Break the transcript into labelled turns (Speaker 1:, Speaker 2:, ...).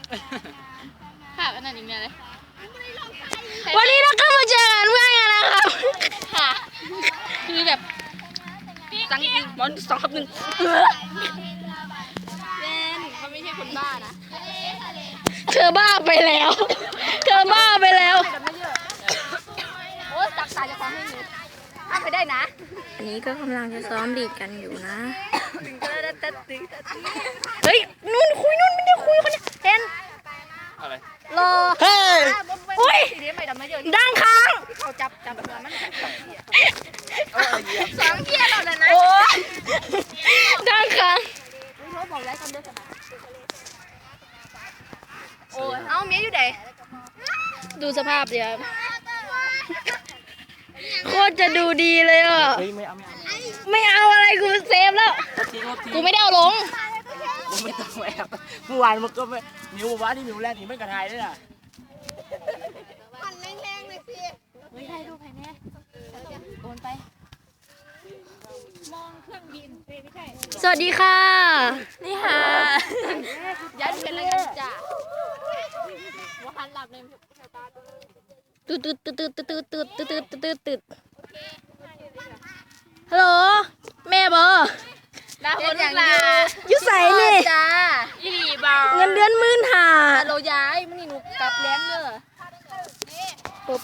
Speaker 1: ภาพอันนั้นอีกเนี่ยเลย
Speaker 2: วันนี้เราก็มาเจอกันเพื่อนกันนะครับ
Speaker 1: ค่ะคือแบบจังจริงบอล2-1เล่นเขาไม่ใช่คนบ้านะ
Speaker 2: เธอบ้าไปแล้วเธอบ้าไปแล้ว
Speaker 1: โอ้ตักตาจะฟ้องให้หนูทำไปได้นะ
Speaker 2: อันนี้ก็กำลังจะซ้อมดีดกันอยู่นะเฮ้ยนู่นคุยนู่นไม่ได้คุยคนนี้เห็น
Speaker 3: อะไร
Speaker 2: รอเฮ้ยโอ้ยดังค้าง
Speaker 1: เขาจับเรือมัน2 เที่ยวเราเลยนะ
Speaker 2: โอ้ยดังค้าง
Speaker 1: เขาบอกไว้กันด้วยกันโอ้ยเอาเมียอยู่ไหน
Speaker 2: ดูสภาพดิครับโคตรจะดูดีเลยอ่ะไม่เอาอะไรกูเซฟแล้วกูไม่ได้เอาลง
Speaker 3: มึงไม่ต้องแอบเมื่อวานมันก็ไม่มิวว่าที่มิวแรกนี่ไม่กระทายด้วยน่ะ
Speaker 1: มันแรงๆเลยสิไม่ได้รูปให้แน่โอนไปมองเครื่องบินไม่ใช่
Speaker 2: สวัสดีค่ะ
Speaker 1: นี่ค่ะยันเป็นอะไรกันจ้ะว่าหันหลับเลย
Speaker 2: ตืดตืดตืดตืดตืดตืดตืดตืดตืดตืดฮัลโหลแม่บอ
Speaker 1: ดาคนอย่าง
Speaker 2: ยุใส่นี่
Speaker 1: จ้าอีหลีบอ
Speaker 2: เงินเดือน